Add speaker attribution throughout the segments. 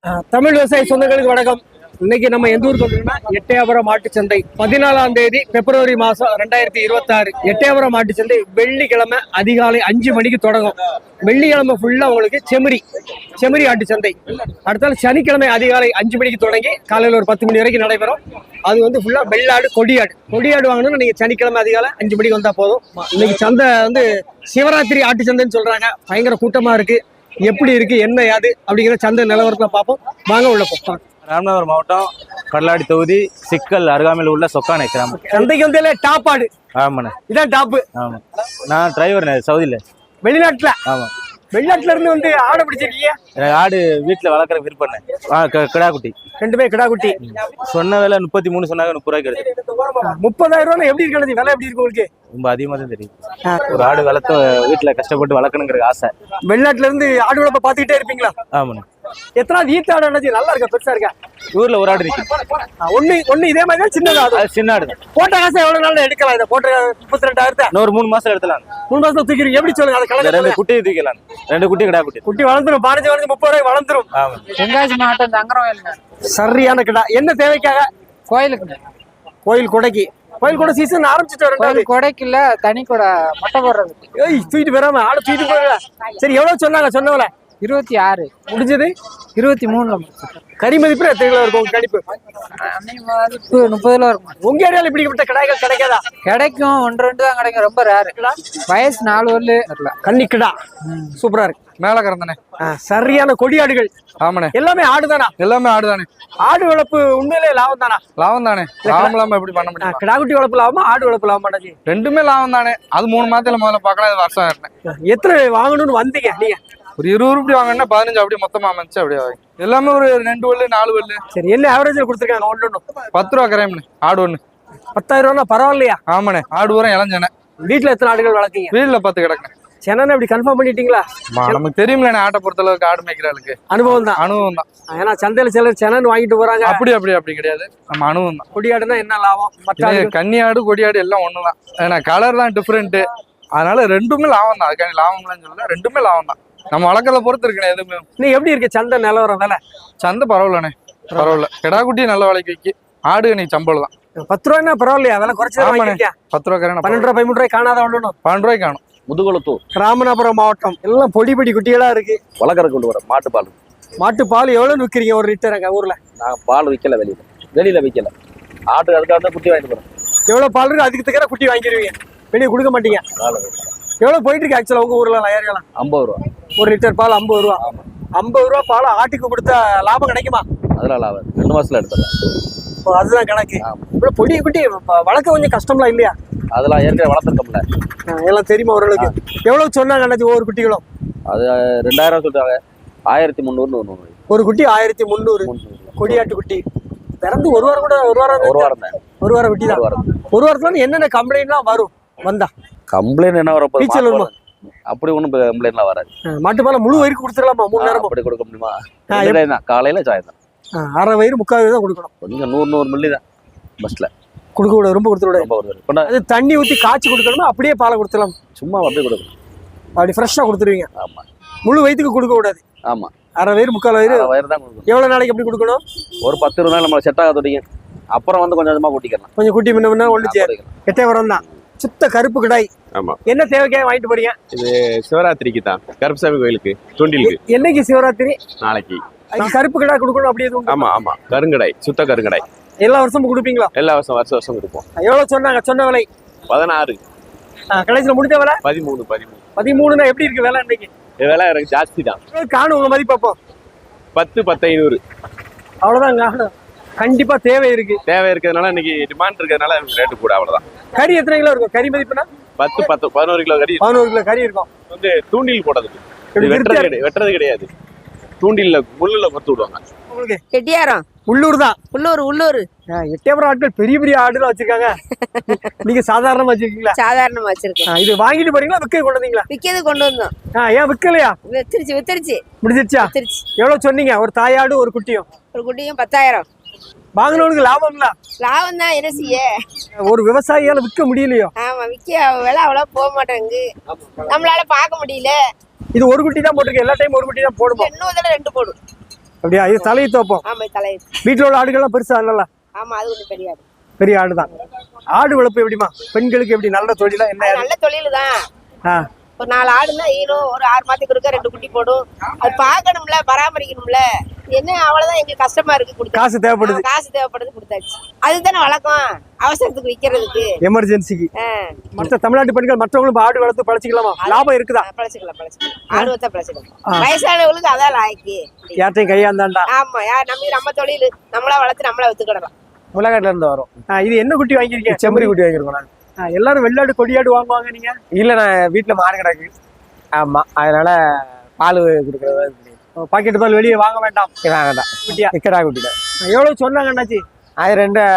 Speaker 1: தமிழ் விவசாய சொந்தங்களுக்கு வணக்கம். இன்னைக்கு நம்ம எந்த ஊருக்கு வந்தோம்னா எட்டயபுரம் மாட்டுச்சந்தை 14ஆம் தேதி பிப்ரவரி மாசம் 2026 எட்டயபுரம் மாட்டுச்சந்தை வெள்ளிக்கிழமை அதிகாலை 5 மணிக்கு தொடங்கும். வெள்ளிக்கிழமை ஃபுல்லா உங்களுக்கு செமரி ஆட்டுச்சந்தை. அடுத்தால சனிக்கிழமை அதிகாலை 5 மணிக்கு தொடங்கி காலையில் ஒரு 10 மணி வரைக்கும் நடைபெறும். அது வந்து ஃபுல்லா வெள்ளாடு கொடியாடு வாங்கணும்னு நீங்க சனிக்கிழமை அதிகாலை 5 மணிக்கு வந்தா போதும். இன்னைக்கு சந்தை வந்து சிவராத்திரி ஆட்டுச்சந்தைன்னு சொல்றாங்க. பயங்கர கூட்டமா இருக்கு. எப்படி இருக்கு என்ன யாது அப்படிங்கிற சந்தை நிலவரத்துல பார்ப்போம். வாங்க உள்ள போப்போம்.
Speaker 2: ராமநாதபுரம் மாவட்டம் கடலாடி தொகுதி சிக்கல் அருகாமையில் உள்ள சொக்கானை கிராமம்.
Speaker 1: சந்தைக்கு வந்து டாப் ஆடு.
Speaker 2: ஆமாண்ணே,
Speaker 1: இதான் டாப்பு.
Speaker 2: ஆமா, நான் டிரைவர் சவுதியில.
Speaker 1: வெளிநாட்டுல?
Speaker 2: ஆமா,
Speaker 1: வெளிநாட்டுல இருந்து வந்து ஆடை பிடிச்சிருக்கீங்க?
Speaker 2: எனக்கு ஆடு வீட்டுல வளர்க்குற விருப்பம். கிடா குட்டி
Speaker 1: ரெண்டுமே கிடா குட்டி.
Speaker 2: சொன்ன விலை 33 சொன்னாங்க, 30 ரூபாய்க்கு கிடைச்சு.
Speaker 1: 30,000 ரூபாய் எப்படி இருக்கு? விலை எப்படி இருக்கு உங்களுக்கு?
Speaker 2: ரொம்ப அதிகமா தான் தெரியும். ஒரு ஆடு வளர்த்து வீட்டுல கஷ்டப்பட்டு வளர்க்கணுங்கிற ஆசை.
Speaker 1: வெளிநாட்டுல இருந்து ஆடு வளர்ப்ப பாத்துக்கிட்டே இருப்பீங்களா?
Speaker 2: ஆமாண்ணே.
Speaker 1: எத்தனாவது ஈத்து ஆடு? நல்லா இருக்கா? பெருசா இருக்கா?
Speaker 2: ஊர்ல ஒரு ஆடு இருக்கு.
Speaker 1: ஒண்ணு இதே மாதிரி தான். சின்னதா?
Speaker 2: அது சின்ன ஆடு தான்.
Speaker 1: போட்ட காசு எவ்வளவு நாள் எடுக்கலாம்? இதை போட்ட 32,000
Speaker 2: இன்னொரு 3 மாசம் எடுத்துலாம்.
Speaker 1: 3 மாசம் தூக்கிடுங்க. எப்படி சொல்லுங்க? அது கலந்து
Speaker 2: 2 குட்டியை தூக்கலாம். 2 குட்டி கிடா குட்டி
Speaker 1: வளர்ந்துரும். 15 30 ரூபாய் வளர்ந்துரும்.
Speaker 2: ஆமா.
Speaker 3: தென்காசி மாவட்டம் தங்கரவயலுங்க.
Speaker 1: சரியான கிடா. என்ன தேவைக்காக?
Speaker 3: கோயிலுக்கு.
Speaker 1: கோயில் கொடைக்கு. கோயில் கூட சீசன் ஆரம்பிச்சுட்டு
Speaker 3: கோயில் கொடைக்கு இல்ல, தனி கூட மொட்டை போடுறதுக்கு.
Speaker 1: தூக்கிட்டு போறாம ஆடு தூக்கிட்டு போறா. சரி, எவ்வளவு சொன்னாங்க? சொன்னவல
Speaker 3: 26
Speaker 1: முடிஞ்சது.
Speaker 3: 23
Speaker 1: கறி மதிப்பு எத்தனை கிலோ இருக்கும்? கணிப்பு
Speaker 3: 30 இருக்கும்.
Speaker 1: உங்க ஏரியால இப்படிப்பட்ட கடாய்கள் கிடைக்காதா?
Speaker 3: கிடைக்கும், 1-2 தான் கிடைக்கும். ரொம்ப ரேரு. வயசு 4 வரல
Speaker 1: கன்னி கிடா. சூப்பரா இருக்கு.
Speaker 4: மேல கறந்தானே.
Speaker 1: சரியான கொடியாடுகள்.
Speaker 4: ஆமாண்ணே.
Speaker 1: எல்லாமே ஆடுதானா?
Speaker 4: எல்லாமே ஆடுதானே.
Speaker 1: ஆடு வளர்ப்பு உண்மையிலே லாபம் தானா?
Speaker 4: லாபம் தானே. லாபம் இல்லாம எப்படி பண்ண முடியும்?
Speaker 1: கிடாக்குட்டி வளர்ப்பு லாபமா ஆடு வளர்ப்பு லாபமாடாச்சு?
Speaker 4: ரெண்டுமே லாபம் தானே. அது 3 மாதத்துல முதல்ல பார்க்கலாம். இது வருஷம் ஆயிட்டேன்.
Speaker 1: எத்தனை வாங்கணும்னு வந்தீங்க நீங்க?
Speaker 4: ஒரு 20 ரூபாய் வாங்கினா 15 அப்படியே மொத்தமா அமைச்சு அப்படியே எல்லாமே ஒரு 2 வல்லு 4 வல்லு.
Speaker 1: சரி, என்ன ஆவரேஜ்ல கொடுத்துருக்காங்க? ஒன்று
Speaker 4: 10 ரூபா கரையம்னு ஆடு ஒண்ணு.
Speaker 1: 10,000 ரூபா பரவாயில்லையா?
Speaker 4: ஆமாண்ணே. ஆடு ஊரம் இளஞ்சனை.
Speaker 1: வீட்டுல எத்தனை ஆடுகள் வளர்க்கீங்க?
Speaker 4: வீட்டுல 10 கிடக்குண்ணே.
Speaker 1: சென்னை இப்படி கன்ஃபார்ம் பண்ணிட்டீங்களா?
Speaker 4: நமக்கு தெரியுமில்ல ஆட்டை பொறுத்த அளவுக்கு ஆடு மேய்க்கிறாளுக்கு
Speaker 1: அனுபவம் தான்.
Speaker 4: அனுபவம் தான்.
Speaker 1: ஏன்னா சந்தையில சிலர் சென்னு வாங்கிட்டு போறாங்க.
Speaker 4: அப்படி கிடையாது. நம்ம அனுபவம் தான்.
Speaker 1: கொடியாடுனா என்ன லாபம்? மற்ற
Speaker 4: கன்னி ஆடு கொடியாடு எல்லாம் ஒண்ணுதான். ஏன்னா கலர் தான் டிஃப்ரெண்ட். அதனால ரெண்டுமே லாபம் தான். அதுக்கான லாபம்லாம் சொல்லல, ரெண்டுமே லாபம் தான். நம்ம வளர்க்கறத பொறுத்து இருக்குண்ணே. எதுவுமே
Speaker 1: நீ எப்படி இருக்கு சந்தை நிலவரம்? வேலை
Speaker 4: சந்தை பரவாயில்லண்ணே. பரவாயில்ல. கிடா குட்டி நல்ல விலைக்கு விற்கி. ஆடு நீ சம்பளம் தான்.
Speaker 1: 10 ரூபாய்னா பரவாயில்லையா? விலை குறைச்சா
Speaker 4: 10 ரூபா கரையான
Speaker 1: 12 ரூபாய் 13 ரூபாய் காணாத ஒண்ணு.
Speaker 4: 12 ரூபாய்க்கு காணும்.
Speaker 5: முதுகுளத்தூர்
Speaker 1: ராமநாதபுரம் மாவட்டம். எல்லாம் பொடி குட்டிகளா இருக்கு.
Speaker 5: வளர்க்கற கொண்டு வர மாட்டுப்பால்.
Speaker 1: மாட்டுப்பால் எவ்வளவு விற்கிறீங்க ஒரு லிட்டர் அங்க ஊர்ல?
Speaker 5: நான் பால் விற்கல, வெளியில விற்கல. ஆட்டு அதுக்காக குட்டி வாங்கிட்டு போறேன்.
Speaker 1: எவ்வளவு பால் இருக்கு அதுக்கு தக்கற குட்டி வாங்கிடுவீங்க, வெளியே கொடுக்க மாட்டீங்க. எவ்வளவு போயிட்டு இருக்கு ஆக்சுவலா உங்க ஊர்ல? ஏரியாலாம்
Speaker 5: 50 ரூபா
Speaker 1: ஒரு லிட்டர் பால். 50 ரூபா. 50 ரூபா பால் ஆட்டுக்கு கொடுத்தா லாபம் கிடைக்குமா?
Speaker 5: அதெல்லாம் லாபம். 2 மாசத்துல எடுத்துடலாம்.
Speaker 1: அதுதான் கணக்கு. இப்ப பொடி குட்டி வளர்க்க கொஞ்சம் கஷ்டம்லாம் இல்லையா?
Speaker 5: அதெல்லாம் ஏற்கனவே வளர்த்துருக்கோம்ல,
Speaker 1: எல்லாம் தெரியுமா ஓரளவுக்கு? எவ்வளவு சொன்னாங்க அண்ணாச்சி ஒவ்வொரு குட்டிகளும்?
Speaker 5: அது 2000 சொல்றாங்க. 1300
Speaker 1: ஒரு குட்டி 1300. கொடியாட்டு குட்டி பிறந்து ஒரு வாரம் கூட ஒரு வாரம்
Speaker 5: தான்.
Speaker 1: ஒரு வாரம் குட்டி தான். ஒரு வாரத்துல என்னென்ன கம்ப்ளைண்ட்லாம் வரும்? வந்தா
Speaker 5: கம்ப்ளைண்ட் என்ன வரும்? அப்படி ஒண்ணும் கம்ப்ளைண்ட்லாம் வராது.
Speaker 1: மாட்டுப்பால முழு வயிறு கொடுத்துடலாமா? 3 நேரம்
Speaker 5: அப்படி கொடுக்க முடியுமா? காலையில சாயந்தரம்
Speaker 1: அரை வயிறு 3/4 வயிறு தான் கொடுக்கணும்.
Speaker 5: கொஞ்சம் 100 மில்லி தான் பஸ்ல
Speaker 1: கொடுக்க கூடாது. ரொம்ப கொடுத்துட. அது தண்ணி ஊத்தி காய்ச்சி கொடுக்கணுமா அப்படியே பாலை கொடுத்துடலாம்?
Speaker 5: சும்மா அப்படியே கொடுக்கணும்.
Speaker 1: அப்படி ஃப்ரெஷ்ஷா கொடுத்துருவீங்க?
Speaker 5: ஆமா.
Speaker 1: முழு வயிற்றுக்கு கொடுக்க கூடாது.
Speaker 5: ஆமா.
Speaker 1: அரை வயிறு 3/4 வயிறு
Speaker 5: தான் கொடுக்கணும்.
Speaker 1: எவ்வளவு நாளைக்கு எப்படி கொடுக்கணும்?
Speaker 5: ஒரு 10-20 நாள் நம்ம செட் ஆக தொடங்க. அப்புறம் வந்து கொஞ்சம் கொஞ்சமா கூட்டிக்கலாம்.
Speaker 1: கொஞ்சம் குட்டி முன்ன ஒன்று சேர். எட்டயபுரம் தான். சுத்த கருப்பு கிடாய்.
Speaker 6: ஆமா.
Speaker 1: என்ன தேவைக்காக வாங்கிட்டு போறீங்க?
Speaker 6: இது சிவராத்திரிக்கு தான். கருப்புசாமி கோயிலுக்கு தூண்டிலுக்கு.
Speaker 1: என்னைக்கு சிவராத்திரி?
Speaker 6: நாளைக்கு.
Speaker 1: கருப்பு கிடாய் கொடுக்கணும் அப்படி எதுவும்?
Speaker 6: ஆமா. கருங்கடாய், சுத்த கருங்கடாய்.
Speaker 1: எல்லா வருஷமும் கொடுப்பீங்களா?
Speaker 6: எல்லா வருஷம் கொடுப்போம்.
Speaker 1: எவ்வளவு சொன்னாங்க? சொன்ன விலை
Speaker 6: 16.
Speaker 1: கடைசியில் முடிஞ்ச விலை
Speaker 6: 13.
Speaker 1: 13னா எப்படி இருக்கு விலை இன்னைக்கு?
Speaker 6: விலை எனக்கு ஜாஸ்தி தான்.
Speaker 1: காணும் உங்க மதிப்பு அப்போ
Speaker 6: 10, 10,500.
Speaker 1: அவ்வளவுதான் காணும். கண்டிப்பா தேவை இருக்கு.
Speaker 6: தேவை இருக்கிறதுனால இன்னைக்கு டிமாண்ட் இருக்கிறதுனால ரேட்டு கூட. அவ்வளவுதான்.
Speaker 1: கறி எத்தனை கிலோ இருக்கும்? கறி மதிப்புனா
Speaker 6: 10, 11 கிலோ கறி.
Speaker 1: 11 கிலோ கறி இருக்கும்.
Speaker 6: வந்து தூண்டில் போடுறதுக்கு. வெட்டுறது கிடையாது. தூண்டில்ல முள்ளுல கொத்து விடுவாங்க.
Speaker 1: உங்களுக்கு
Speaker 7: எட்டியாரம்
Speaker 1: உள்ளூர் தான்.
Speaker 7: உள்ளூர்
Speaker 1: எட்டயபுரம் ஆட்கள் பெரிய ஆடுலாம் வச்சிருக்காங்க. நீங்க சாதாரணமா வச்சிருக்கீங்களா?
Speaker 7: சாதாரணமா வச்சிருக்கோம்.
Speaker 1: இது வாங்கிட்டு போறீங்களா விற்க கொண்டு வந்தீங்களா?
Speaker 7: விக்கிறது கொண்டு வந்தோம்.
Speaker 1: ஏன் விற்கலையா?
Speaker 7: வித்துருச்சு
Speaker 1: முடிஞ்சிருச்சா? எவ்வளவு சொன்னீங்க? ஒரு தாயாடு ஒரு குட்டியும்?
Speaker 7: ஒரு குட்டியும் 10,000.
Speaker 1: வாங்கினவனுக்கு லாபம் இல்ல?
Speaker 7: லாபம் தான். என்ன செய்ய?
Speaker 1: ஒரு விவசாயியால விற்க முடியலையோ?
Speaker 7: ஆமா, விக்க விலை அவ்வளவு போக மாட்டேங்குது. நம்மளால பார்க்க முடியல.
Speaker 1: இது ஒரு குட்டி தான் போட்டிருக்கு. எல்லா டைம் ஒரு குட்டி தான் போடுமா?
Speaker 7: இன்னும் 2 போடும்.
Speaker 1: அப்படியா? இது தலையை தோப்போம்.
Speaker 7: ஆமா தலை.
Speaker 1: வீட்டுல உள்ள ஆடுகள்லாம் பெருசா நல்லா?
Speaker 7: ஆமா அது ஒண்ணு பெரிய ஆடு.
Speaker 1: பெரிய ஆடுதான். ஆடு வளர்ப்பு எப்படிமா? பெண்களுக்கு எப்படி நல்ல தொழிலா என்ன?
Speaker 7: அது நல்ல தொழில் தான்.
Speaker 1: ஆ,
Speaker 7: ஒரு 4 ஆடுன்னா ஈரும், ஒரு 6 மாதத்துக்கு இருக்க 2 குட்டி போடும். அது பார்க்கணும்ல, பராமரிக்கணும்ல. என்ன அவ்வளவுதான் எங்களுக்கு கஷ்டமா இருக்கு. கொடுத்தா
Speaker 1: காசு தேவைப்படுது.
Speaker 7: காசு தேவைப்படுது, கொடுத்தாச்சு. அதுதானே வழக்கம், அவசரத்துக்கு விக்கிறதுக்கு,
Speaker 1: எமர்ஜென்சிக்கு. மற்ற தமிழ்நாட்டு பெண்கள் மற்றவங்களும் ஆடு வளர்த்து பழச்சிக்கலாமா? லாபம் இருக்குதா?
Speaker 7: பழச்சிக்கலாம். ஆடு வச்சா பழச்சிக்கலாம். வயசானவங்களுக்கு அதான் லாய்க்கு.
Speaker 1: யார்ட்டையும் கையாந்தாண்டா.
Speaker 7: ஆமா, நம்ம தொழில் நம்மளா வளர்த்து நம்மளா வித்துக்கிடலாம்.
Speaker 3: முளைக்காட்டுல இருந்து வரும்.
Speaker 1: இது என்ன குட்டி வாங்கிருக்கீங்க?
Speaker 3: செம்பரி குட்டி வாங்கிருக்கோம் நாங்க.
Speaker 1: எல்லாரும் வெள்ளாடு கொடியாடு வாங்குவாங்க, நீங்க?
Speaker 3: இல்ல, நான் வீட்டுல மாடு கிடக்கு. ஆமா, அதனால பால் கொடுக்கறது.
Speaker 1: பாக்கெட் பால் வெளியே வாங்க வேண்டாம்.
Speaker 3: வேண்டாம்.
Speaker 1: குட்டியா?
Speaker 3: கிடா குட்டில
Speaker 1: எவ்வளவு சொன்னாங்க அண்ணாச்சி?
Speaker 3: அது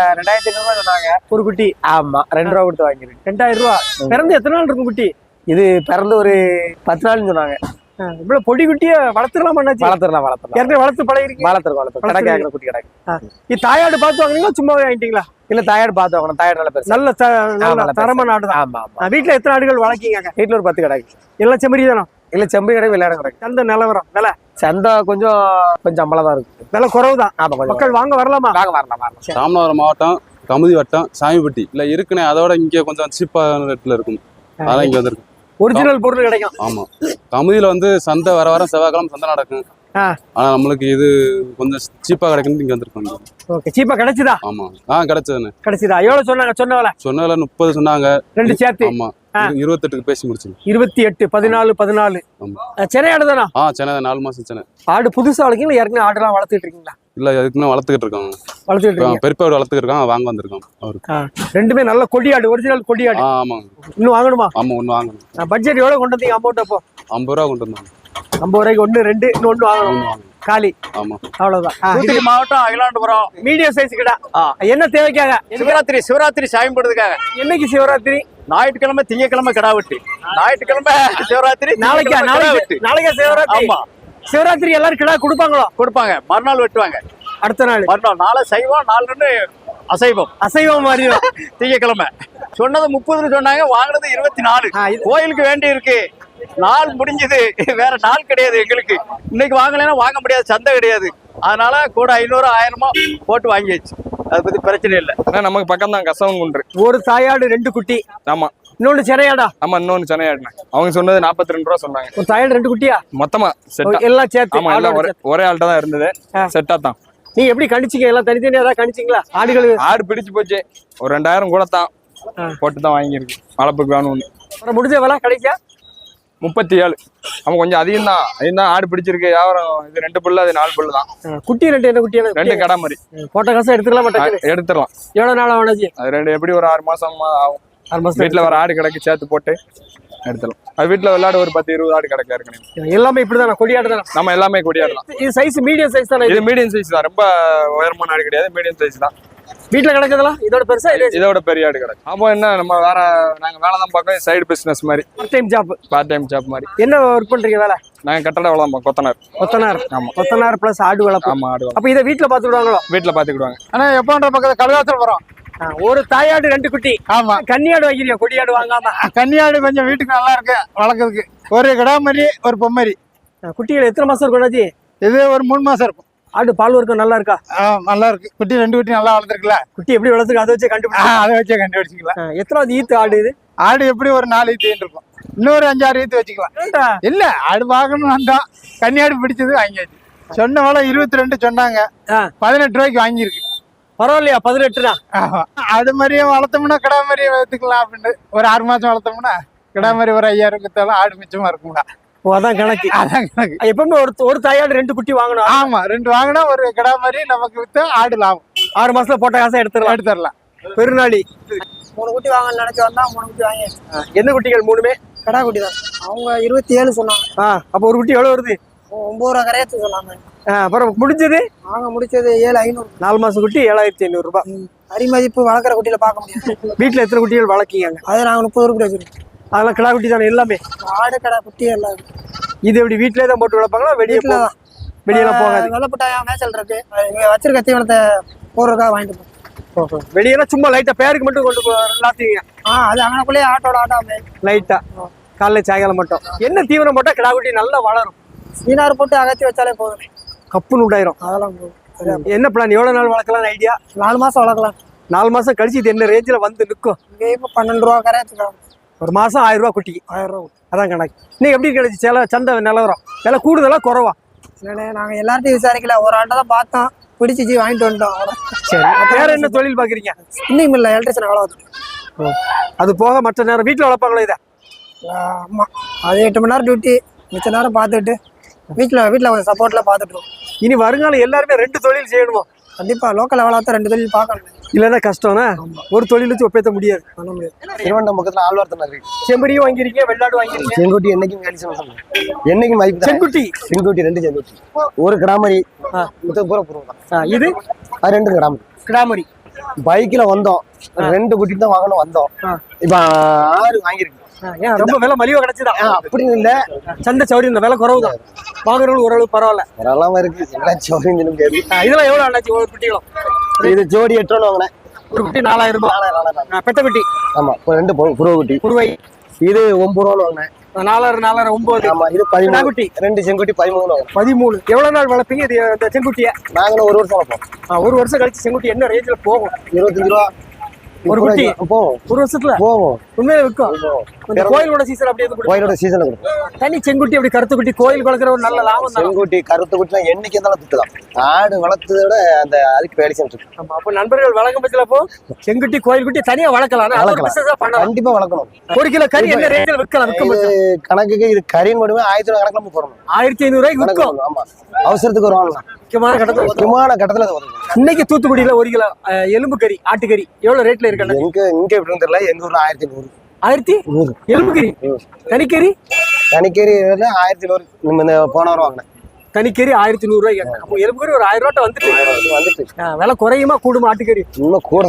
Speaker 3: 2500 சொன்னாங்க
Speaker 1: ஒரு குட்டி.
Speaker 3: ஆமா, 2 ரூபா கொடுத்து வாங்கிருக்கு.
Speaker 1: 2000 ரூபா. பிறந்து எத்தனை நாள் இருக்கும் குட்டி?
Speaker 3: இது பிறந்து ஒரு 10 நாள்னு சொன்னாங்க.
Speaker 1: இவ்வளவு பொடி குட்டிய வளர்த்துடலாம் அண்ணாச்சி?
Speaker 3: வளர்த்துடலாம்.
Speaker 1: ஏற்கனவே வளர்த்து பழகிருக்கீங்க?
Speaker 3: வளர்த்துறோம். கடை கேட்கற குட்டி கிடக்கு.
Speaker 1: இது தாயாடு பார்த்து வாங்குறீங்களா சும்மாவே வாங்கிட்டீங்களா?
Speaker 3: இல்ல, தாயாடு பார்த்து வாங்கணும். தாயாடு நல்ல பெருசு.
Speaker 1: நல்ல தரமான ஆடு தான்.
Speaker 3: ஆமா ஆமா.
Speaker 1: வீட்டுல எத்தனை ஆடுகள் வளர்க்கீங்க?
Speaker 3: வீட்டுல ஒரு 10 கிடக்கு.
Speaker 1: எல்லாம் செம்மறி தானே?
Speaker 3: இல்ல, செம்பரி கிடக்கு, விளையாட கிடக்கு.
Speaker 1: சந்தை நிலவரம் விலை?
Speaker 3: சந்தை கொஞ்சம் அம்பளம் தான் இருக்கு.
Speaker 1: விலை குறவு தான்.
Speaker 3: ஆமா, கொஞ்சம்
Speaker 1: மக்கள் வாங்க வரலாமா?
Speaker 3: வரலாம்.
Speaker 6: ராமநாதபுரம் மாவட்டம் கமுதி வட்டம் சாமிப்பட்டி இல்ல இருக்குனே. அதோட இங்க கொஞ்சம் சீப்பான ரேட்ல இருக்கும். அதான் இங்க வந்திருக்கு.
Speaker 1: ஒரிஜினல் பொருள் கிடைக்கும்.
Speaker 6: ஆமா, கமுதியில வந்து சந்தை வர செவ்வாய்க்கிழமை சந்தை நடக்கும். ஆனா நம்மளுக்கு இது கொஞ்சம் சீப்பா கிடைக்கும். இங்க வந்திருக்கோம்.
Speaker 1: ஓகே, சீப்பா கிடைச்சதா?
Speaker 6: ஆமா, கிடைச்சதுன்னு.
Speaker 1: கிடைச்சதா? எவ்வளவு சொன்னாங்க? சொன்னவள
Speaker 6: சொன்னதுல 30 சொன்னாங்க.
Speaker 1: 2 சேர்த்து.
Speaker 6: ஆமா, 28க்கு பேசி முடிச்சு.
Speaker 1: 28, 14.
Speaker 6: ஆமா.
Speaker 1: சென்னை ஆடு தானா?
Speaker 6: சென்னை 4 மாசம் சென்னை.
Speaker 1: ஆடு புதுசா வளர்க்கீங்களா? ஏற்கனவே ஆடுலாம் வளர்த்துட்டு இருக்கீங்களா?
Speaker 6: இல்ல, அதுக்குன்னு வளர்த்துக்கிட்டு இருக்காங்க.
Speaker 1: வளர்த்துட்டு இருக்கீங்க.
Speaker 6: பெருப்பா வளர்த்துக்கிட்டு இருக்காங்க. வாங்க வந்திருக்காங்க அவருக்கு.
Speaker 1: ரெண்டுமே நல்ல கொடியாடு, ஒரிஜினல் கொடியாடு.
Speaker 6: ஆமாங்க.
Speaker 1: இன்னும் வாங்கணுமா?
Speaker 6: ஆமா, ஒண்ணு வாங்கணும்.
Speaker 1: பட்ஜெட் எவ்வளவு கொண்டு வந்தீங்க? அமௌண்ட் அப்போ
Speaker 6: 50 ரூபா கொண்டு வந்தாங்க.
Speaker 1: 50 ரூபாய்க்கு 1, 2 இன்னொன்னு வாங்கணும். காலி.
Speaker 6: ஆமா,
Speaker 1: அவ்வளவுதான்.
Speaker 8: தூத்துக்குடி மாவட்டம் அகிலாண்டபுரம்.
Speaker 1: மீடியம் சைஸ் கிடா. என்ன தேவைக்காக?
Speaker 8: சிவராத்திரி சாயம்படுறதுக்காக.
Speaker 1: என்னைக்கு சிவராத்திரி?
Speaker 8: ஞாயிற்றுக்கிழமை, திங்கக்கிழமை கிடா வெட்டு. ஞாயிற்றுக்கிழமை சிவராத்திரி.
Speaker 1: நாளைக்கா சிவராத்திரி?
Speaker 8: ஆமா,
Speaker 1: சிவராத்திரி எல்லாரும் கிடா கொடுப்பாங்களோ?
Speaker 8: கொடுப்பாங்க. மறுநாள் வெட்டுவாங்க.
Speaker 1: அடுத்த நாள்
Speaker 8: மறுநாள் நாளை சைவம், 4 அசைவம்.
Speaker 1: அசைவம் மாதிரி
Speaker 8: திங்கக்கிழமை சொன்னது 30 சொன்னாங்க, வாங்கினது 24. கோயிலுக்கு வேண்டி இருக்கு. நாள் முடிஞ்சது, வேற நாள் கிடையாது எங்களுக்கு. இன்னைக்கு வாங்கலைன்னா வாங்க முடியாது, சந்தை கிடையாது. அதனால கூட 500 1000 போட்டு வாங்கியாச்சு. அதை பத்தி பிரச்சனை இல்லை.
Speaker 4: நமக்கு பக்கம் தான் கசவன் குன்று.
Speaker 1: ஒரு தாயாடு 2 குட்டி.
Speaker 4: ஆமா.
Speaker 1: இன்னொன்னு சென்னையாடா?
Speaker 4: ஆமா, இன்னொன்னு சென்னையாடுனா. அவங்க சொன்னது 42 ரூபா சொன்னாங்க.
Speaker 1: ஒரு தாயாடு 2 குட்டியா?
Speaker 4: மொத்தமா செட்டா
Speaker 1: எல்லாம் சேர்த்து?
Speaker 4: ஆமா, எல்லாம் ஒரே ஆள்கிட்ட தான் இருந்தது. செட்டா தான்.
Speaker 1: நீங்க எப்படி கணிச்சிங்க? எல்லாம் தனித்தனியா தான் கணிச்சிங்களா? ஆடுகள்
Speaker 4: ஆடு பிடிச்சு போச்சு. ஒரு 2000 கூட தான் போட்டு தான் வாங்கியிருக்கு. வளர்ப்புக்கு வேணும்னு.
Speaker 1: அப்புறம் முடிஞ்ச விலை கிடைக்கா?
Speaker 4: 37. அவன் கொஞ்சம் அதிகம் தான். ஆடு பிடிச்சிருக்கு. வியாபாரம். இது 2 புல்லு, அது 4 புல்லு தான்.
Speaker 1: குட்டி 2 என்ன குட்டியான?
Speaker 4: 2 கடை மாதிரி.
Speaker 1: போட்ட காசை எடுத்துக்கலாம் மாட்டேன்.
Speaker 4: எடுத்துடலாம்.
Speaker 1: எவ்வளவு நாள் ஆனாச்சு?
Speaker 4: அது 2 எப்படி ஒரு 6 மாசம் ஆகும்.
Speaker 1: 6 மாசம்.
Speaker 4: வீட்டுல வர ஆடு கிடக்கு சேர்த்து போட்டு எடுத்துடலாம். அது வீட்டுல விளையாடு ஒரு 10-20 ஆடு கிடக்கு ஏற்கனவே.
Speaker 1: எல்லாமே இப்படிதானா? கொடியாடு தானே?
Speaker 4: நம்ம எல்லாமே கொடியாடலாம்.
Speaker 1: இது சைஸ் மீடியம் சைஸ் தானே?
Speaker 4: இது மீடியம் சைஸ் தான். ரொம்ப உயரமான ஆடு கிடையாது. மீடியம் சைஸ் தான்.
Speaker 1: வீட்டுல கிடக்குதெல்லாம் இதோட பெருசா?
Speaker 4: இதோட பெரிய ஆடு கிடக்கு. அப்போ என்ன, நம்ம நாங்க வேலை தான் பார்க்கோம். சைடு பிசினஸ் மாதிரி. பார்ட் டைம் ஜாப் மாதிரி.
Speaker 1: என்ன ஒர்க் பண்றீங்க வேலை?
Speaker 4: நாங்க கட்டட வேலை தான். கொத்தனார். ஆமா,
Speaker 1: கொத்தனார் பிளஸ் ஆடு வளர்ப்பு.
Speaker 4: ஆமா, ஆடு.
Speaker 1: அப்ப இதை வீட்டுல பாத்துக்கிடுவாங்களோ?
Speaker 4: வீட்டுல பாத்துக்கிடுவாங்க.
Speaker 8: ஆனா எப்பன்ற பக்கத்துல கழுகாத்தல் வரும்.
Speaker 1: ஒரு தாயாடு 2 குட்டி.
Speaker 8: ஆமா.
Speaker 1: கன்னியாடு வாங்கிருக்கீங்க, கொடியாடு வாங்காம?
Speaker 8: கன்னியாடு கொஞ்சம் வீட்டுக்கு நல்லா இருக்கு வளர்க்கறதுக்கு. ஒரு கிடாமரி, ஒரு பொம்மரி.
Speaker 1: குட்டிகள் எத்தனை மாசம் இருக்கும்?
Speaker 8: இது ஒரு 3 மாசம் இருக்கும்.
Speaker 1: ஆடு பால் வர்க்கம் நல்லா இருக்கா?
Speaker 8: நல்லா இருக்கு. குட்டி 2 குட்டி நல்லா வளர்த்துருக்குல்ல.
Speaker 1: குட்டி எப்படி வளர்த்துருக்கு? அதை வச்சு
Speaker 8: கண்டுபிடிச்சிக்கலாம்.
Speaker 1: எத்தனாவது ஈத்து ஆடு இது?
Speaker 8: ஆடு எப்படி ஒரு 4 ஈத்து இருக்கும். இன்னொரு 5-6 ஈத்து வச்சுக்கலாம். இல்ல, ஆடு வாங்கணும் வந்தோம். கன்னியாடு பிடிச்சது வாங்கியாச்சு. சொன்ன வேலை 22 சொன்னாங்க. 18 ரூபாய்க்கு வாங்கியிருக்கு.
Speaker 1: பரவாயில்லையா? 18 தான்.
Speaker 8: ஆடு மாதிரியே வளர்த்தோம்னா கிடா மாதிரியே வளர்த்துக்கலாம் அப்படின்னு. ஒரு 6 மாசம் வளர்த்தோம்னா கிடா மாதிரி ஒரு 5000 வித்தாலும் ஆடு மிச்சமா இருக்கும்டா.
Speaker 1: அதான் கணக்கு. எப்பவுமே ஒரு தாயாடு 2 குட்டி வாங்கணும்.
Speaker 8: ஆமா, 2 வாங்கினா ஒரு கிடா மாதிரி நமக்கு வித்து ஆடு லாபம்.
Speaker 1: 6 மாசத்துல போட்ட காசை எடுத்துடலாம். பெருநாளி
Speaker 3: 3 குட்டி வாங்கன்னு நினைச்சு வந்தா 3 குட்டி வாங்கியாச்சு.
Speaker 1: என்ன குட்டிகள்? 3மே
Speaker 3: கடா குட்டி தான். அவங்க 27 சொன்னாங்க.
Speaker 1: அப்ப ஒரு குட்டி எவ்வளவு வருது?
Speaker 3: 9 ரூபா கரையாச்சு சொன்னாங்க.
Speaker 1: அப்புறம் முடிஞ்சது?
Speaker 3: வாங்க முடிச்சது 7500.
Speaker 1: 4 மாசம் குட்டி 7500 ரூபாய்.
Speaker 3: அரிமதிப்பு வளர்க்குற குட்டியில பார்க்க முடியாது.
Speaker 1: வீட்டுல எத்தனை குட்டிகள் வளர்க்கீங்க?
Speaker 3: அது நாங்க 30 ரூபாய் வச்சிருக்கோம்.
Speaker 1: அதெல்லாம் கிடா குட்டி தானே எல்லாமே?
Speaker 3: ஆடு கடா குட்டி எல்லாம்.
Speaker 1: இது எப்படி வீட்லயே தான் போட்டு வளர்ப்பாங்களா? வெளியெல்லாம் போகாது?
Speaker 3: வெள்ளப்பட்டாயா மேய்ச்சல் இருக்கு. இங்க வச்சிருக்க தீவனத்தை போடுறதுக்காக வாங்கிட்டு போறோம்.
Speaker 1: வெளியெல்லாம் சும்மா லைட்டா பேருக்கு மட்டும் கொண்டு போலாத்தீங்க?
Speaker 3: அது அங்கனக்குள்ளேயே ஆட்டோ
Speaker 1: லைட்டா காலைல சாயங்காலம் மட்டும். என்ன தீவனம் போட்டா கிடா குட்டி நல்லா வளரும்?
Speaker 3: சீனார் போட்டு அகத்தி வச்சாலே போதும்.
Speaker 1: கப்புன்னு உண்டாயிரும்.
Speaker 3: அதெல்லாம்
Speaker 1: என்ன பிளான்? எவ்வளவு நாள் வளர்க்கலாம் ஐடியா?
Speaker 3: 4 மாசம் வளர்க்கலாம்.
Speaker 1: 4 மாசம் கழிச்சு இது என்ன ரேஞ்சில் வந்து நிற்கும்?
Speaker 3: இங்கே இப்போ 12 ரூபா கரையாச்சுக்கலாம்.
Speaker 1: ஒரு மாசம் 1000 ரூபா குட்டிக்கு.
Speaker 3: 1000 ரூபா.
Speaker 1: அதான் கணக்கு. இன்னைக்கு எப்படி கிடைச்சி சந்தை நிலவரம்? விலை கூடுதலா குறவா?
Speaker 3: இல்லைண்ணே, நாங்கள் எல்லார்ட்டையும் விசாரிக்கல, ஒரு ஆட்டை தான் பார்த்தோம், பிடிச்சிச்சு வாங்கிட்டு வந்துட்டோம்.
Speaker 1: சரி, வேற என்ன தொழில் பாக்குறீங்க?
Speaker 3: இன்னும் இல்லை, எலக்ட்ரிஷன் வேலை பார்த்துட்டு.
Speaker 1: அது போக மற்ற நேரம் வீட்டில் வளர்ப்பாங்களோ இதை?
Speaker 3: ஆமாம், அது 8 மணி நேரம் டியூட்டி, மிச்ச நேரம் பார்த்துட்டு வீட்டில் கொஞ்சம் சப்போர்ட்டில் பார்த்துட்டுருவோம்.
Speaker 1: இனி வருங்காலம் எல்லாருமே 2 தொழில் செய்யணுமோ?
Speaker 3: கண்டிப்பாக லோக்கல் லெவலாக தான் 2 தொழில் பார்க்கணும்.
Speaker 1: இல்லைன்னா கஷ்டம்னா ஒரு தொழில் வச்சு ஒப்பேற்ற முடியாது.
Speaker 3: பண்ண முடியாது. திருவண்ணாமலை பக்கத்தில் ஆழ்வார்த்தனை இருக்கு.
Speaker 1: செம்பரியும் வாங்கிருக்கீங்க, வெள்ளாடு வாங்கிருக்கீங்க.
Speaker 3: செங்குட்டி என்னைக்கும் கண்டிஷன் என்னைக்கும் மதிப்பு.
Speaker 1: செங்குட்டி
Speaker 3: 2 செங்குட்டி, ஒரு கிராமரி பூரா பூர்வம்.
Speaker 1: இது
Speaker 3: அது 2 கிராமரி.
Speaker 1: கிடாமரி.
Speaker 3: பைக்கில் வந்தோம், 2 குட்டி தான் வாங்கணும் வந்தோம். இப்போ 6 வாங்கியிருக்கு.
Speaker 1: ஏன் ரொம்ப விலை மலிவா கிடைச்சதா?
Speaker 3: அப்படின்னு இல்லை,
Speaker 1: சந்தை சௌரி இந்த விலை குறவு தான். வாங்குறவங்க ஓரளவு பரவாயில்ல.
Speaker 3: வரலாமா இருக்கு. எல்லாம் சௌரியம் முடியாது.
Speaker 1: இதெல்லாம் எவ்வளவு ஆனாச்சு ஒரு குட்டிகளும்?
Speaker 3: இது ஜோடி 8 ரூபா வாங்கினேன்.
Speaker 1: ஒரு குட்டி 4000 ரூபாய். பெட்ட குட்டி.
Speaker 3: ஆமா, 2 புருவ குட்டி.
Speaker 1: குருவை
Speaker 3: இது 9 ரூபா வாங்கினேன்.
Speaker 1: 4000 9.
Speaker 3: ஆமா, இது 13
Speaker 1: குட்டி.
Speaker 3: 2 செங்குட்டி 13
Speaker 1: 13. எவ்வளவு நாள் வளர்ப்பீங்க இது இந்த செங்குட்டிய?
Speaker 3: நாங்களும் 1 வருஷம் வளர்ப்போம்.
Speaker 1: 1 வருஷம் கழிச்சு செங்குட்டி என்ன ரேஞ்சில் போகும்?
Speaker 3: 25 ரூபா
Speaker 1: ஒரு குட்டி
Speaker 3: போவோம்.
Speaker 1: 1 வருஷத்துல
Speaker 3: போவோம்.
Speaker 1: உண்மையில விற்கும். கோயிலோட சீசன் அப்படியே
Speaker 3: கோயிலோட சீசன்ல கொடுக்கும்.
Speaker 1: தனி செங்குட்டி அப்படி கருத்து குட்டி கோயில் வளர்க்குற ஒரு நல்ல லாபம் தான்.
Speaker 3: செங்குட்டி கருத்து குட்டிலாம் என்னைக்கு இருந்தாலும் திட்டுதான். ஆடு வளர்த்ததை விட அந்த அதுக்கு வேலை செஞ்சுட்டு.
Speaker 1: ஆமா, அப்ப நண்பர்கள் வழங்கும் பட்சத்துல போ செங்குட்டி கோயில் குட்டி தனியா வளர்க்கலாம்.
Speaker 3: கண்டிப்பா வளர்க்கணும்.
Speaker 1: 1 கிலோ கறி என்ன ரேஞ்சில் விற்கலாம்?
Speaker 3: கணக்குக்கு இது கறின்னு மட்டுமே 1000 ரூபாய் கணக்குல போடணும்.
Speaker 1: 1500 ரூபாய்க்கு விற்கும்.
Speaker 3: ஆமா, அவசரத்துக்கு ஒரு வாங்கலாம்.
Speaker 1: முக்கியமான கட்டத்துல இன்னைக்கு தூத்துக்குடியில 1 கிலோ எலும்பு கறி ஆட்டுக்கறி எவ்வளவு ரேட்ல இருக்கு?
Speaker 3: இங்க எப்படி தெரியல, எங்க ஊர்ல 1100.
Speaker 1: 1100 எலும்பு கறி. தனிக்கறி
Speaker 3: 1100 போன வாரம் வாங்கினேன்.
Speaker 1: தனிக்கறி 1100 ரூபாய்க்கு. அப்போ எலும்பு கறி ஒரு 1000 ரூபாய் வந்துட்டு விலை குறையுமா கூடுமா? ஆட்டுக்கறி
Speaker 3: இன்னும் கூட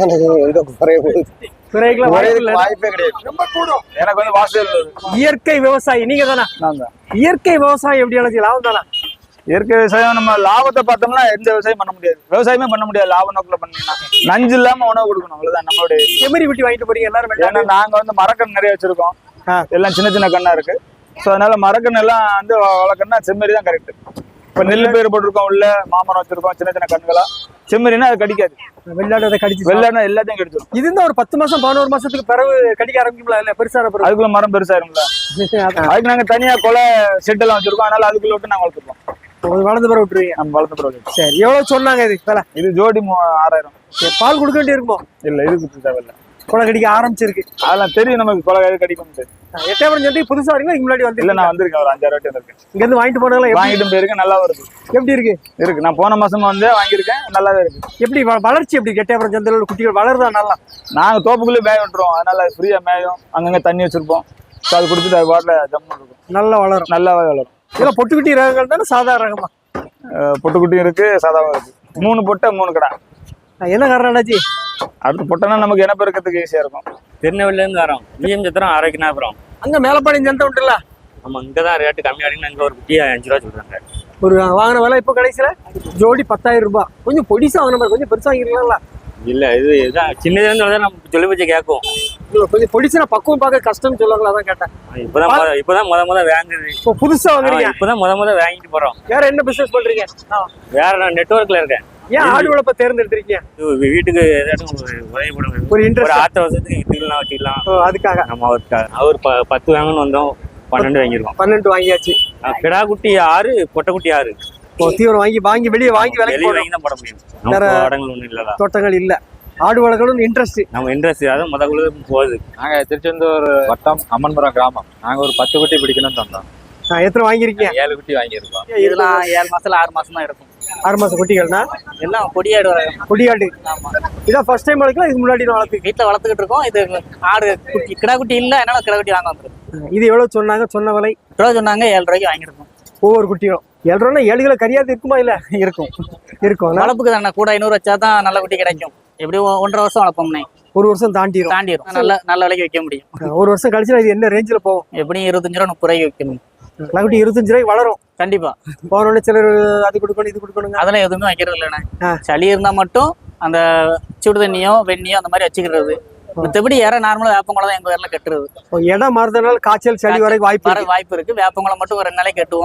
Speaker 3: வாய்ப்பே கிடையாது.
Speaker 4: எனக்கு வந்து வாசல்
Speaker 1: இயற்கை விவசாயி நீங்க தானா? இயற்கை விவசாயம் எப்படி எனக்கு லாபம் தானா?
Speaker 4: இயற்கை விவசாயம் நம்ம லாபத்தை பார்த்தோம்னா எந்த விவசாயம் பண்ண முடியாது. விவசாயமே பண்ண முடியாது லாப நோக்கில் பண்ணீங்கன்னா. நஞ்சு இல்லாம உணவு கொடுக்கணும், அவ்வளவுதான் நம்மளுடைய.
Speaker 1: செம்மறி குட்டி வாங்கிட்டு போறீங்க எல்லாரும்?
Speaker 4: ஏன்னா நாங்க வந்து மரக்கன்று நிறைய வச்சிருக்கோம். எல்லாம் சின்ன சின்ன கண்ணா இருக்கு. ஸோ அதனால மரக்கன்று எல்லாம் வந்து வளர்க்கணும்னா செம்மறி தான் கரெக்ட். இப்போ நெல் பயிர் போட்டிருக்கோம், உள்ள மாமரம் வச்சிருக்கோம், சின்ன சின்ன கண்களா. செம்மறினா அது கடிக்காது.
Speaker 1: வெள்ளாடு அதை கடிச்சு
Speaker 4: வெள்ளாடுனா எல்லாத்தையும் கடிச்சிடும்.
Speaker 1: இது இருந்தா ஒரு 10 மாசம் 11 மாசத்துக்கு பிறகு கடிக்க ஆரம்பிக்கும்ல? இல்ல பெருசான பிறகு
Speaker 4: அதுக்குள்ள மரம் பெருசாயிரும்ல. அதுக்கு நாங்க தனியா கொலை செட் எல்லாம் வச்சிருக்கோம். அதனால அதுக்குள்ள விட்டு நாங்க வளர்த்துருக்கோம்.
Speaker 1: வளர்ந்து பிறகு விட்டுருவீங்க?
Speaker 4: நம்ம வளர்த்த பிறகு.
Speaker 1: சரி, எவ்வளவு சொன்னாங்க இது விலை?
Speaker 4: இது ஜோடி 6000.
Speaker 1: பால் கொடுக்க வேண்டி இருக்குமோ?
Speaker 4: இல்ல, இதுக்கு தேவையில்ல.
Speaker 1: கொலை கடிக்க ஆரம்பிச்சிருக்கு.
Speaker 4: அதெல்லாம் தெரியும் நமக்கு, கொலை கடிக்கும்.
Speaker 1: எட்டயபுரம் சந்தை புதுசா வரீங்களா? முன்னாடி வந்து?
Speaker 4: இல்ல, நான் வந்திருக்கேன், ஒரு 5-6 வாட்டி வந்திருக்கேன்.
Speaker 1: இங்க இருந்து வாங்கிட்டு போனதெல்லாம்
Speaker 4: வாங்கிட்டு போயிருக்கேன், நல்லா வருது.
Speaker 1: எப்படி இருக்கு?
Speaker 4: இருக்கு, நான் போன மாசமா வந்து வாங்கியிருக்கேன், நல்லாவே இருக்கு.
Speaker 1: எப்படி வளர்ச்சி எப்படி எட்டயபுரம் சந்தையில உள்ள குட்டிகள் வளருதா நல்லா?
Speaker 4: நாங்க தோப்புக்குள்ளே மேய விட்டுருவோம், அதனால ஃப்ரீயா மேயும். அங்கங்க தண்ணி வச்சிருப்போம். அது குடிச்சிட்டு அது பாட்டில் ஜம்மு இருக்கும்.
Speaker 1: நல்லா வளரும்.
Speaker 4: நல்லாவே வளரும்.
Speaker 1: இதெல்லாம் பொட்டுக்குட்டி ரகங்கள் தானே சாதாரண ரகமா?
Speaker 4: பொட்டுக்குட்டியும் இருக்கு, சாதாவும் இருக்கு. 3 பொட்டை 3 கடை.
Speaker 1: என்ன காரணம் என்னாச்சு?
Speaker 4: அடுத்து பொட்டைனா நமக்கு என்ன பெருக்கிறதுக்கு ஈஸியா இருக்கும்.
Speaker 5: திருநெல்வேலில இருந்து வரோம். விஎம் சத்திரம் ஆரோக்கியநாதபுரம்.
Speaker 1: அங்க மேலப்பாடி சந்தை உண்டுல்ல?
Speaker 5: ஆமா, இங்கதான் ரேட்டு கம்மியா இருக்குன்னு அங்க ஒரு குட்டியா 5 ரூபா சொல்றாங்க.
Speaker 1: ஒரு வாங்கின விலை இப்போ கடைசியில ஜோடி 10000 ரூபாய். கொஞ்சம் பொடிசா வாங்கின மாதிரி, கொஞ்சம் பெருசா வாங்கிருக்கலாம்ல?
Speaker 5: இல்ல, இதுதான் சின்னதுல இருந்து நம்ம சொல்லி வச்சு கேட்கும்.
Speaker 1: கொஞ்சம் பொடிச்சுனா பக்குவம் பார்க்க கஷ்டம்னு சொல்லுவாங்களா? அதான் கேட்டேன்.
Speaker 5: இப்பதான் முத வாங்குது.
Speaker 1: இப்போ புதுசா வாங்குறீங்க?
Speaker 5: இப்பதான் முத வாங்கிட்டு போறோம்.
Speaker 1: வேற என்ன பிசினஸ் பண்றீங்க?
Speaker 5: வேற நான் நெட்வொர்க்ல இருக்கேன்.
Speaker 1: ஏன் ஆடு வளர்ப்ப தேர்ந்தெடுத்திருக்கீங்க?
Speaker 5: வீட்டுக்கு ஏதாச்சும் உதவி பண்ணுங்க.
Speaker 1: ஒரு இன்ட்ரெஸ்ட்.
Speaker 5: ஒரு ஆத்த வருஷத்துக்கு இதுலாம் வச்சுக்கலாம்.
Speaker 1: அதுக்காக
Speaker 5: நம்ம அவர் 10 வாங்கன்னு வந்தோம், 12 வாங்கிருக்கோம்.
Speaker 1: 12 வாங்கியாச்சு.
Speaker 5: கிடா குட்டி 6, பொட்டை குட்டி 6.
Speaker 1: தீவிரம் வாங்கி வெளியே வாங்கி
Speaker 5: வெளியே வாங்கி தான் போட முடியும். இடங்கள் ஒன்றும் இல்ல,
Speaker 1: தோட்டங்கள் இல்ல. ஆடு வளர்க்கணும் இன்ட்ரெஸ்ட்.
Speaker 5: நம்ம இன்ட்ரெஸ்ட் அதான் முதல்ல போகுது.
Speaker 2: நாங்க திருச்செந்தூர் வட்டம் அம்மன்புரம் கிராமம். நாங்க ஒரு 10 குட்டி பிடிக்கணும்னு தந்தோம்.
Speaker 1: எத்தனை வாங்கிருக்கீங்க?
Speaker 2: 7 குட்டி வாங்கியிருக்கோம்.
Speaker 8: இதெல்லாம் 7 மாசத்துல 6 மாசம் தான் இருக்கும்.
Speaker 1: 6 மாசம் குட்டிகள்னா
Speaker 8: எல்லாம் கொடியாடு
Speaker 1: கொடியாடு. இதான் ஃபர்ஸ்ட் டைம் வளர்க்கலாம்? இதுக்கு முன்னாடி வளர்த்து
Speaker 8: வீட்டுல வளர்த்துக்கிட்டு இருக்கோம். இது ஆடு குட்டி கிடா குட்டி இல்ல, அதனால கிடா குட்டி வாங்க வந்துருக்கு.
Speaker 1: இது எவ்வளவு சொன்னாங்க? சொன்ன விலை
Speaker 8: ரூபா சொன்னாங்க, 7 ரூபாய்க்கு வாங்கிருக்கோம்.
Speaker 1: ஒவ்வொரு குட்டியும் 7 ரூபா. 7 கிலோ கறியாது இருக்குமா? இல்ல இருக்கும்.
Speaker 8: வளர்ப்புக்கு தானே கூட 500 வச்சா தான் நல்ல குட்டி கிடைக்கும். எப்படி 1.5 வருஷம் வளர்ப்போம்னே,
Speaker 1: 1 வருஷம் தாண்டிடும்.
Speaker 8: நல்ல விலைக்கு வைக்க முடியும்.
Speaker 1: 1 வருஷம் கழிச்சு இது என்ன ரேஞ்சில் போகும்?
Speaker 8: எப்படியும் 25 ரூபா 30 ரூபாய்க்கு வைக்க முடியும்.
Speaker 1: குட்டி 25 ரூபாய்க்கு வளரும்
Speaker 8: கண்டிப்பா.
Speaker 1: போனோடனே சிலர் அது கொடுக்கணும் இது கொடுக்கணுங்க.
Speaker 8: அதெல்லாம் எதுவுமே வைக்கிறது இல்லைண்ணே. சளி இருந்தா மட்டும் அந்த சுடு தண்ணியோ வெண்ணியோ அந்த மாதிரி வச்சுக்கிறது. மற்றபடி யாரும் நார்மலா வேப்பங்குளம் தான் எங்க ஊர்ல கட்டுறது.
Speaker 1: இடம் மாறுறதுனால காய்ச்சல் சளி வரைக்கும் வாய்ப்பு
Speaker 8: இருக்கு. வேப்பங்குளம் மட்டும் ஒரு 2 நாளைக்கு கட்டுவோம்.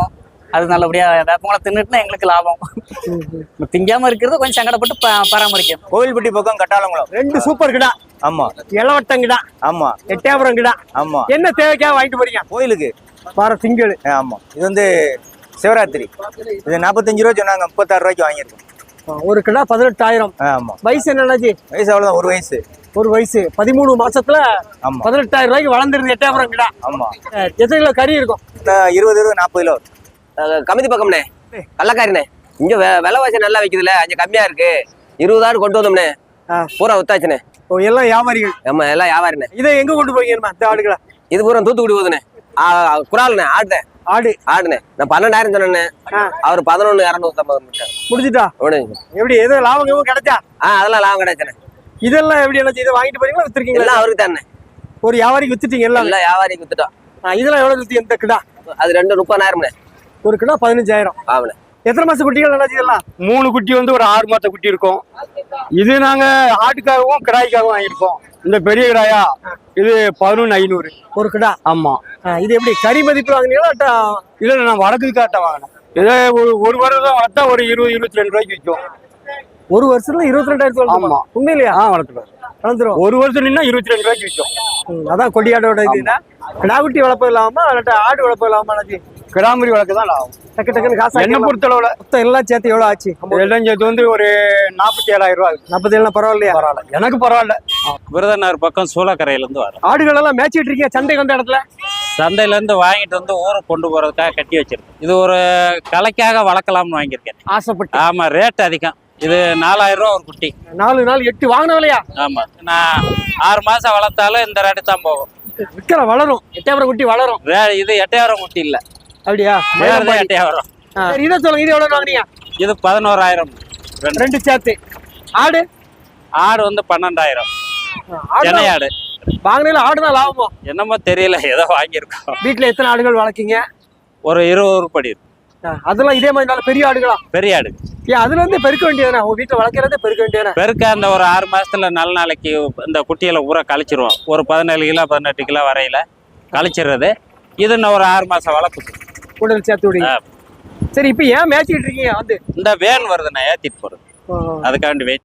Speaker 9: அது நல்லபடியா வேப்பங்களை தின்னுட்டுனா எங்களுக்கு லாபம். திங்காம இருக்கிறது கொஞ்சம் சங்கடப்பட்டு பராமரிக்கணும்.
Speaker 2: கோவில்பட்டி பக்கம் கட்டாளங்குளம்.
Speaker 1: 2 சூப்பர் கிடா,
Speaker 2: ஆமா
Speaker 1: இளவட்டம் கிடா,
Speaker 2: ஆமா
Speaker 1: எட்டயபுரம் கிடா.
Speaker 2: ஆமா.
Speaker 1: என்ன தேவைக்காக வாங்கிட்டு போறீங்க?
Speaker 2: கோயிலுக்கு
Speaker 1: வார திங்கள்.
Speaker 2: ஆமா. இது வந்து சிவராத்திரி. இது 45 ரூபா சொன்னாங்க, 36 ரூபாய்க்கு வாங்கியிருக்கோம்.
Speaker 1: ஒரு கிடா 18,000.
Speaker 2: ஆமா.
Speaker 1: வயசு என்னடாச்சு?
Speaker 2: வயசு அவ்வளவுதான், ஒரு வயசு.
Speaker 1: ஒரு வயசு 13 மாசத்துல
Speaker 2: ஆமா.
Speaker 1: 18,000 ரூபாய்க்கு வளர்ந்துருது எட்டயபுரம் கிடா.
Speaker 2: ஆமா.
Speaker 1: எத்தனை கிலோ கறி இருக்கும்?
Speaker 2: 20 40 கிலோ.
Speaker 5: கமிதி பக்கம்ண்ணே, கள்ளக்காரிண்ணே. இங்க விலைவாசி நல்லா வைக்குதுல்ல, அங்க கம்மியா இருக்கு. 20,000 கொண்டு வந்தோம்ண்ணே, பூரா வித்தாச்சுண்ணே.
Speaker 1: ஓ, எல்லாம் வியாபாரிகள்.
Speaker 5: ஆமா, எல்லாம் வியாபாரிண்ணே.
Speaker 1: இதை எங்க கொண்டு போறீங்க இந்த ஆடுகளை?
Speaker 5: இது பூரா தூத்துக்குடி போகுதுண்ணே. குறால்ண்ணே, ஆடுண்ணே. நான் 12,000 சொன்னேண்ணே, அவர் 11,250
Speaker 1: முடிஞ்சுட்டா? எப்படி எதுவும் லாபம் எதுவும் கிடைச்சா?
Speaker 5: அதெல்லாம் லாபம் கிடைச்சுண்ணே.
Speaker 1: இதெல்லாம் எப்படி என்ன இதை வாங்கிட்டு போறீங்களா வித்துருக்கீங்களா?
Speaker 5: எல்லாம் அவருக்கு தானே.
Speaker 1: ஒரு வியாபாரிக்கு வித்துட்டீங்க எல்லாம்?
Speaker 5: எல்லாம் வியாபாரிக்கு வித்துட்டோம்.
Speaker 1: இதெல்லாம் எவ்வளவு வித்து இந்த கிடா?
Speaker 5: அது 30,000.
Speaker 1: ஒரு கிடா 15,000.
Speaker 5: ஆமாண்ணே.
Speaker 1: எத்தனை மாசம் குட்டிகள் நல்லா இதெல்லாம்?
Speaker 8: 3 குட்டி வந்து ஒரு 6 மாத குட்டி இருக்கும். இது நாங்க ஆட்டுக்காகவும் கிடாய்க்காகவும் வாங்கியிருக்கோம். இந்த பெரிய கிடாயா இது 11,500
Speaker 1: ஒரு கிடா.
Speaker 8: ஆமா.
Speaker 1: இது எப்படி கறி மதிப்பு வாங்கினீங்களா?
Speaker 8: இல்ல, நான் வடக்கு காட்ட வாங்கினேன். இதே ஒரு வருடம் வளர்த்தா ஒரு 20-22 ரூபாய்க்கு விற்கும்.
Speaker 1: ஒரு வருஷத்துல 22,000.
Speaker 8: ஆமா.
Speaker 1: உண்மையிலையா?
Speaker 8: வளர்த்துருவோம்.
Speaker 1: வளர்ந்துரும்.
Speaker 8: ஒரு வருஷம் நின்னா 22 ரூபாய்க்கு விற்கும்.
Speaker 1: அதான் கொடியாடோட இதுனா கிடா குட்டி வளர்ப்பு இல்லாம இல்லாட்டா ஆடு வளர்ப்பு இல்லாம
Speaker 8: கிடாமரி வளர்க்க தான் லாபம்.
Speaker 1: டக்கு டக்குன்னு காசு
Speaker 8: என்ன பொறுத்தளவுல
Speaker 1: மொத்தம் எல்லாம் சேர்த்து எவ்வளவு ஆச்சு?
Speaker 8: எல்லாம் சேர்த்து வந்து ஒரு 47,000 ரூபாய்.
Speaker 1: 47 பரவாயில்லையா?
Speaker 8: பரவாயில்ல, எனக்கு பரவாயில்ல.
Speaker 10: விருதுநகர் பக்கம் சூளக்கரையிலேருந்து வரோம்.
Speaker 1: ஆடுகள் எல்லாம் மேய்ச்சிட்டு இருக்கீங்க சந்தைக்கு வந்த இடத்துல?
Speaker 10: சந்தையிலேருந்து வாங்கிட்டு வந்து ஊருக்கு கொண்டு போகிறதுக்காக கட்டி வச்சிருக்கேன். இது ஒரு கலைக்காக வளர்க்கலாம்னு வாங்கியிருக்கேன்.
Speaker 1: ஆசைப்பட்டு?
Speaker 10: ஆமாம், ரேட் அதிகம். இது 4,000 ரூபா ஒரு குட்டி.
Speaker 1: 4 நாள் 8 வாங்கின விலையா?
Speaker 10: ஆமாம், நான் 6 மாதம் வளர்த்தாலும் இந்த ரேட்டு தான் போகும்.
Speaker 1: விற்கிற வளரும். எட்டயபுரம் குட்டி வளரும்.
Speaker 10: இது எட்டயபுரம் குட்டி இல்லை.
Speaker 1: அப்படியா?
Speaker 10: எட்டயபுரம்.
Speaker 1: சரி, இதை சொல்லுங்க, இது எவ்வளவு வாங்கினீங்க?
Speaker 10: இது 11,000.
Speaker 1: 2 சேர்த்து. ஆடு
Speaker 10: வந்து 12,000.
Speaker 1: ஆடு
Speaker 10: சென்னையாடு
Speaker 1: வாங்கினால ஆடுனா லாபமா?
Speaker 10: என்னமோ தெரியல, ஏதோ வாங்கியிருக்கோம்.
Speaker 1: வீட்டுல எத்தனை ஆடுகள் வளர்க்கீங்க?
Speaker 10: ஒரு 20 உருப்படி இருக்கு.
Speaker 1: அதெல்லாம் இதே மாதிரி நல்ல பெரிய ஆடுகளா?
Speaker 10: பெரிய ஆடு.
Speaker 1: ஏன் அதுல வந்து பெருக்க வேண்டியதானே? உங்க வீட்டுல வளர்க்கறதே பெருக்க வேண்டியதானே?
Speaker 10: பெருக்க அந்த ஒரு 6 மாசத்துல நல்ல நாளைக்கு இந்த குட்டியில ஊற கழிச்சிருவோம். ஒரு 17 கிலோ 18 கிலோ வரையில கழிச்சிடுறது. இது இன்னும் ஒரு 6 மாசம் வளர்க்குது.
Speaker 1: உடல் சேர்த்து விடுங்க. சரி, இப்ப ஏன் மேய்ச்சிட்டு இருக்கீங்க? வந்து
Speaker 10: இந்த வேன் வருதுண்ணா, ஏத்திட்டு போறது. அதுக்காண்டி வெயிட்